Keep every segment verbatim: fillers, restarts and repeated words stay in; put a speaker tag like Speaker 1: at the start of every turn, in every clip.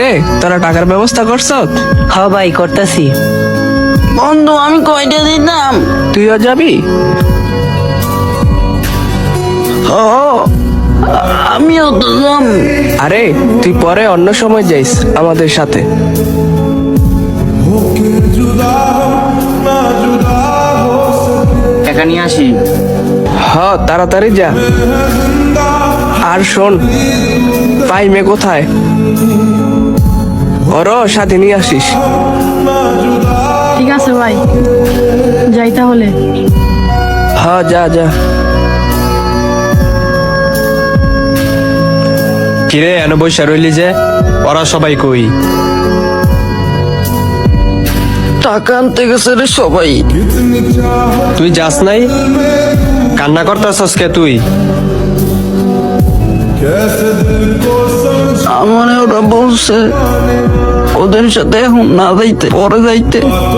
Speaker 1: কিরে তোরা টাকার ব্যবস্থা করছ?
Speaker 2: হ ভাই করতেছি।
Speaker 3: বন্ধু আমি কয়টা দিতাম?
Speaker 1: তুইও যাবি?
Speaker 3: ও আমিও তো যাম।
Speaker 1: আরে তুই পরে অন্য সময় যাইস আমাদের সাথে।
Speaker 2: টাকা নিয়ে আসি।
Speaker 1: হ তাড়াতাড়ি যা। আর শোন, পাইমে কোথায়? ওর সাথে নিয়ে আসিস।
Speaker 4: ঠিক আছে ভাই, যাই তাহলে।
Speaker 1: হ যা যা।
Speaker 5: কিরে এন বৈশা রইলি যে, ওরা সবাই কই?
Speaker 3: টাকা আনতে গেছে রে সবাই।
Speaker 5: তুই যাস নাই? কান্না করতেছস কে তুই?
Speaker 3: আমার ওরা বলছে ওদের সাথে এখন না যাইতে, পরে যাইতে।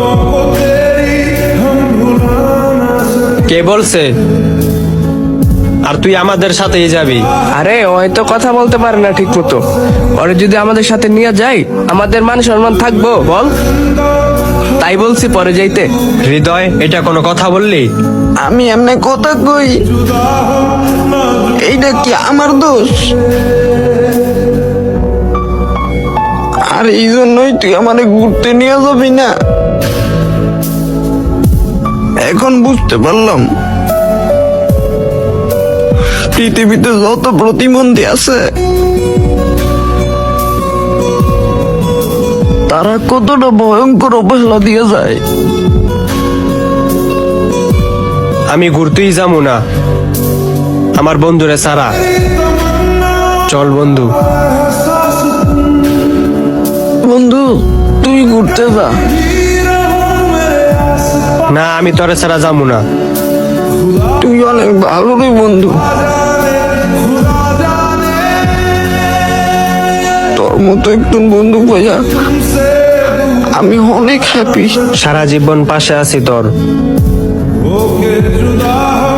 Speaker 5: কে বলছে? আর তুই আমাদের সাথেই যাবি?
Speaker 1: আরে ও হয়তো কথা বলতে পারে না ঠিক মতো। ওরে যদি আমাদের সাথে নিয়ে যাই আমাদের মান সম্মান থাকবো বল? তাই বলছি পরে যাইতে।
Speaker 5: হৃদয়, এটা কোনো কথা বললি?
Speaker 3: আমি এমনি কথা কই, এইটা কি আমার দোষ? আর এই জন্যই তুই আমারে ঘুরতে নিয়ে যাবি না? এখন বুঝতে পারলাম পৃথিবীতে যত প্রতিবন্ধী আছে তারা কতটা ভয়ঙ্কর অবহেলা দিয়ে যায়।
Speaker 5: আমি ঘুরতেই যাবো না আমার বন্ধুরে সারা। চল বন্ধু।
Speaker 3: বন্ধু তুই ঘুরতে যা।
Speaker 5: না, আমি তোরে ছাড়া যাবো না।
Speaker 3: তুই অনেক ভালো রে বন্ধু, তোর মতো একজন বন্ধু পাইয়া আমি অনেক হ্যাপি।
Speaker 5: সারা জীবন পাশে আছি তোর।